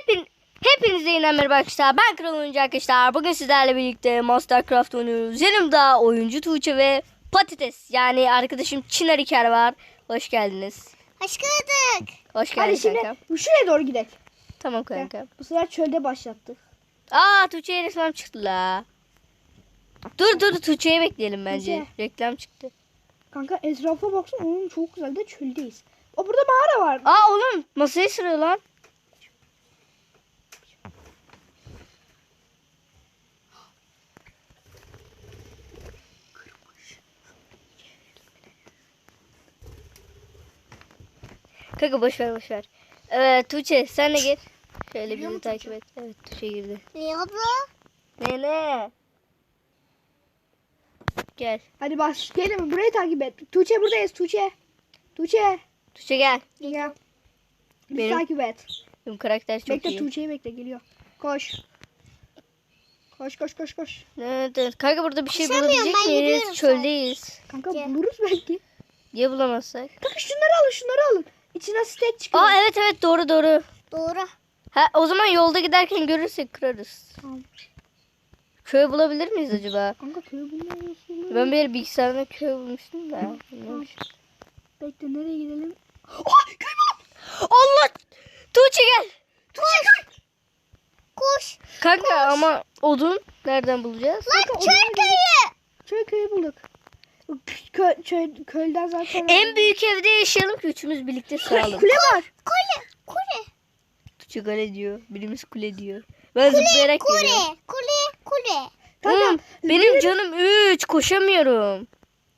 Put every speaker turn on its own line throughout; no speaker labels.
Hepinize yeniden merhaba arkadaşlar. Ben Kral Oyuncu arkadaşlar. Bugün sizlerle birlikte Mastercraft oynuyoruz. Yanımda oyuncu Tuğçe ve Patates. Yani arkadaşım Çınar İker var. Hoş geldiniz.
Hoş bulduk.
Hoş
Hadi
geldin
şimdi
kanka.
şuraya doğru gidelim.
Tamam kanka.
Bu sefer çölde başlattık.
Tuğçe'ye reklam çıktı la. Dur Tuğçe'yi bekleyelim bence.
Tuğçe.
Reklam çıktı.
Kanka etrafa baksana. Oğlum çok güzel de çöldeyiz. Burada mağara var.
Oğlum masayı sırıyor lan. Kanka boş ver. Evet Tuğçe sen de gir. Şöyle bizi takip et. Evet Tuğçe girdi.
Ne abla?
Ne? Gel.
Hadi başlayalım. Burayı takip et. Tuğçe buradayız. Tuğçe
Tuğçe gel.
gel. Bizi
Benim-
takip et.
Benim karakter çok
Bekle
iyi.
Tuğçe'yi bekle geliyor. Koş. Koş.
Evet. Kanka burada bir şey
Koşamıyorum,
bulabilecek
ben
miyiz?
yürüyorum
Çöldeyiz.
Kanka
Gel.
buluruz belki.
Niye bulamazsak?
Kanka şunları alın. İçine steak çıkıyor.
Evet doğru.
Doğru.
Ha o zaman yolda giderken görürsek kırarız.
Tamam.
Köy bulabilir miyiz acaba?
Kanka köyü bulmuyorsun.
Ben bir yere bilgisayarda köy bulmuştum da. Bilmiyorum.
Bekle nereye gidelim? Oha köy buldum.
Allah! Tuğçe gel.
Koş.
Kanka ama odun nereden bulacağız?
Kanka, köyü bulduk. Köyden zaten.
En büyük evde yaşayalım ki üçümüz birlikte sağlam.
Kule var.
Kule.
Tuğçe kale diyor. Birimiz kule diyor. Ben zıplayarak geliyorum.
Kule.
Oğlum, benim canım 3 koşamıyorum.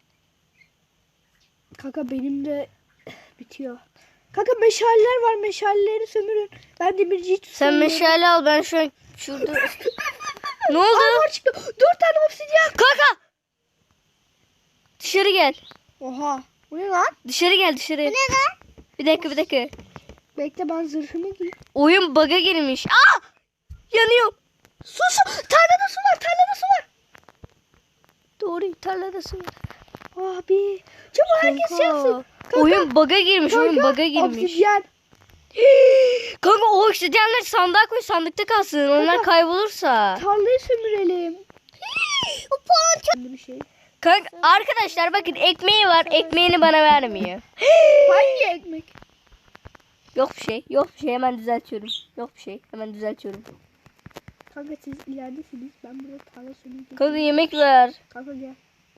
Kanka benim de bitiyor. Kanka meşaleler var. Meşaleleri sömürün. Ben demirciyi
Sen
tutuyorum.
meşale al ben şu an şurada. Ne oldu?
Var çıktı. 4 tane obsidyen.
Kanka! Dışarı gel.
Oha. Bu ne lan?
Dışarı gel.
Ne lan?
Bir dakika.
Bekle ben zırhımı giyeyim.
Oyun bug'a girmiş. Yanıyor.
Su. Tarlada su var.
Doğru tarlada su var.
Abi. Çabuk herkes yapsın. Kanka.
Oyun bug'a girmiş. Oyun bug'a girmiş.
Obsidyen.
Kanka o oksijenleri sandığa koy, sandıkta kalsın. Onlar
Kanka.
kaybolursa.
Tarlayı sömürelim. Bir şey.
Kanka arkadaşlar bakın ekmeği var. Ekmeğini bana vermiyor.
Hangi ekmek?
Yok bir şey. Hemen düzeltiyorum.
Kanka siz ileridesiniz. Ben burada tarla sömüreceğim.
Kanka yemek ver.
Kanka gel.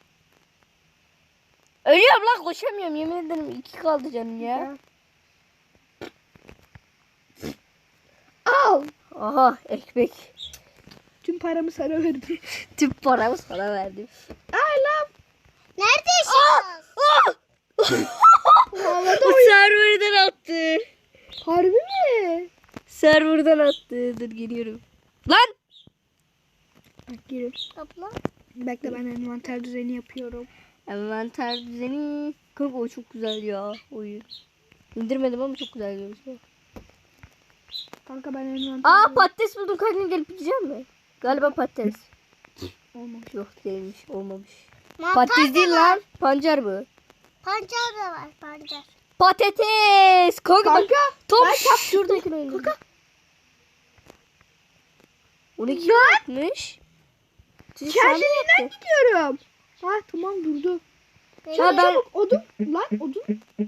Ölüyorum lan koşamıyorum yemin ederim 2 kaldı canım ya.
Gel. Al.
Aha ekmek.
Tüm paramı sana verdim.
Tüm paramı sana verdim.
Ay lan.
Nerede yaşıyorsun?
Havada
O serverden attı.
Harbi mi?
Serverdan attı. Dur geliyorum. Lan!
Bak girin.
Abla.
Bekle ben envanter düzeni yapıyorum.
Envanter düzeni. Kanka o çok güzel ya oyun. İndirmedim ama çok güzel görünüyor.
Kanka ben envanter
Patates buldum kanka gelip yiyeceğim mi? Galiba patates.
olmamış.
Yok değilmiş olmamış.
Mantar
Patates
da
değil
var.
lan. Pancar bu.
Pancar da var. Pancar.
Patates. Kanka,
Kanka
top
ben çap-
şuradakini öldürdüm.
Kanka.
12 yapmış.
kendiliğinden gidiyorum. Ha tamam durdu.
Ha, ben-
Çabuk odun. Lan odun.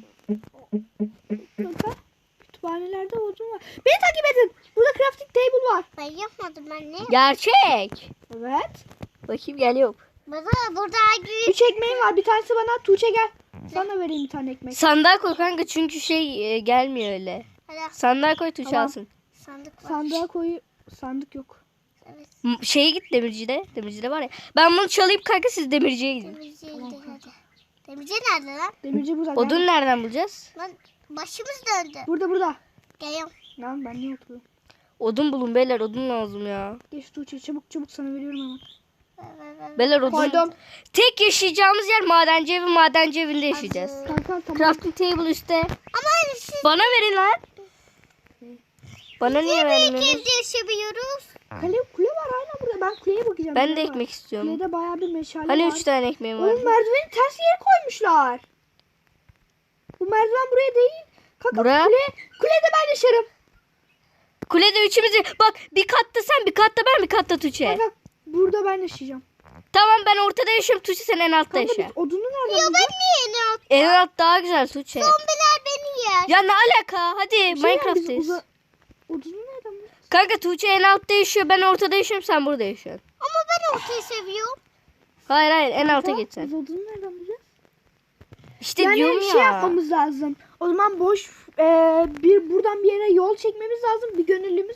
Kanka. Kütüphanelerde odun var. Beni takip edin. Burada crafting table var.
Ben yapmadım ben ne?
Gerçek.
Evet.
Bakayım geliyor.
Burada
3 ekmeğim var. Bir tanesi bana. Tuğçe gel. Sana vereyim bir tane ekmek.
Sandığa koy kanka çünkü gelmiyor öyle.
Hadi
Sandığa koy Tuğçe
Tamam.
alsın.
sandık var.
Sandığa koy. Sandık yok.
Evet.
Şeye git demircide. Demircide var ya. Ben bunu çalayım kanka siz demirciye gidin.
Demirciye gidelim hadi. Demirci nerede lan?
Demirci burada.
Odun
Gel.
nereden bulacağız?
Lan başımız döndü.
Burada.
Geliyorum.
Lan ben niye oturuyorum?
Odun bulun beyler odun lazım ya.
Geç Tuğçe çabuk sana veriyorum hemen.
Beyler odun.
Koydum.
Tek yaşayacağımız yer madenci evinde yaşayacağız.
Kanka tamam.
Crafting table üstte.
Ama siz
Bana verin lan. Bana niye
büyük
vermiyorsunuz?
evde yaşayabiliyoruz.
Kule var aynen burada. Ben kuleye bakacağım.
Ben
Kule
de
var.
ekmek istiyorum.
Kulede bayağı bir meşale
Hani
var.
3 tane ekmeğim var.
Oğlum merdiveni ters yere koymuşlar. Bu merdiven buraya değil. Kanka
Buraya?
kulede ben yaşarım.
kulede üçümüz. Bak bir katta sen, bir katta ben, bir katta Tuğçe.
Kanka burada ben yaşayacağım.
Tamam ben ortada yaşıyorum. Tuğçe sen en altta
Kanka
yaşa.
biz odunu nereden
Ya ben
bulacağız?
niye ne yaptım?
En alt daha güzel Tuğçe.
Zombiler beni yer.
Ya ne alaka? Hadi
Bir şey diyeceğim, biz
Minecraft'tayız.
Odunu nereden bulacağız?
Kanka Tuğçe en altta yaşıyor. Ben ortada yaşıyorum. Sen burada yaşıyorsun.
Ama ben ortayı seviyorum.
Hayır en alta
Kanka,
geç sen.
biz odunu nereden bulacağız?
İşte
Yani
diyorum
bir
ya.
şey yapmamız lazım. O zaman bir buradan bir yere yol çekmemiz lazım. Bir gönüllümüz.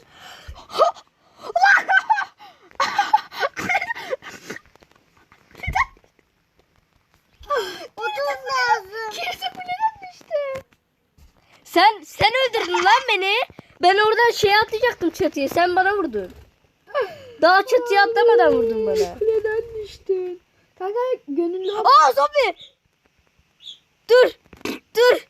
Odun lazım.
Kimse kuleden düştü.
Sen öldürdün lan beni. Ben oradan şeye atlayacaktım çatıya. Sen bana vurdun. Daha çatıya atlamadan vurdun bana.
Kuleden düştün. Kanka gönüllü ol.
Aa zombi. Dur. Dur.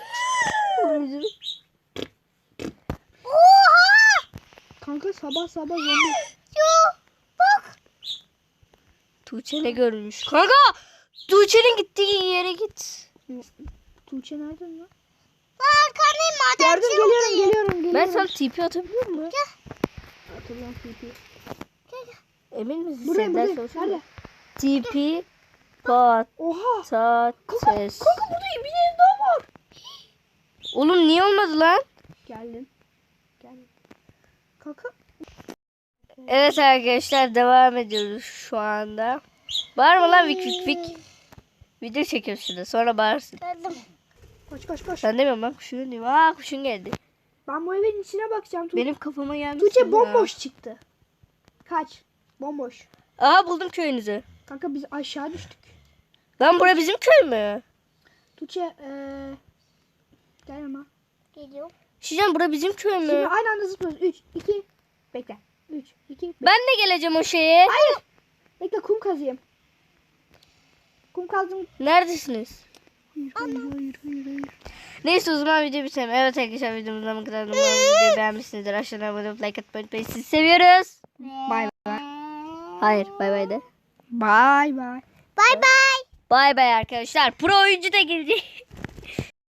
Oha!
Kanka sabah zombi.
Yo, bak.
Tuğçe ne görmüş? Kanka Tuğçe'nin gittiği yere git.
Tuğçe nereden lan?
Ben arkandayım madenciyim.
Geliyorum.
Ben sana TP atabiliyor muyum?
Hatırlan TP.
Emin misin?
Buraya
Senden
buraya.
sonra
Nerede?
TP
Oha.
patates.
Kanka burada bir yer daha var.
Oğlum niye olmadı lan?
Geldim. Kanka.
Evet arkadaşlar devam ediyoruz şu anda. Bağırma lan vik. Video çekiyoruz şurada sonra bağırsın.
Geldim.
Koş.
Ben demiyorum lan kuşun diyorum. Aa kuşun geldi.
Ben bu evin içine bakacağım.
Benim kafama gelmiş.
Tuğçe bomboş çıktı. Kaç. Bomboş.
Aha buldum köyünüzü.
Kanka biz aşağı düştük.
Lan bura bizim köy mü?
Tuğçe gel ama.
Geliyorum.
Şişen bura bizim köy
Şimdi
mü?
aynı anda zıplıyoruz. 3, 2, bekle. 3, 2, bekle.
Ben de geleceğim o şeye.
Hayır. Bekle kum kazıyım. Kum kazdım.
Neredesiniz?
Hayır.
Neyse o zaman video bitelim. Evet arkadaşlar videomuzdan bu kadar. Umarım videoyu beğenmişsinizdir. Aşağıdan abone olup like atmayı unutmayın. Sizi seviyoruz.
Bay
Hayır bay bay de.
bay.
Bay bay.
Bay bay arkadaşlar. Pro oyuncu da gelecek.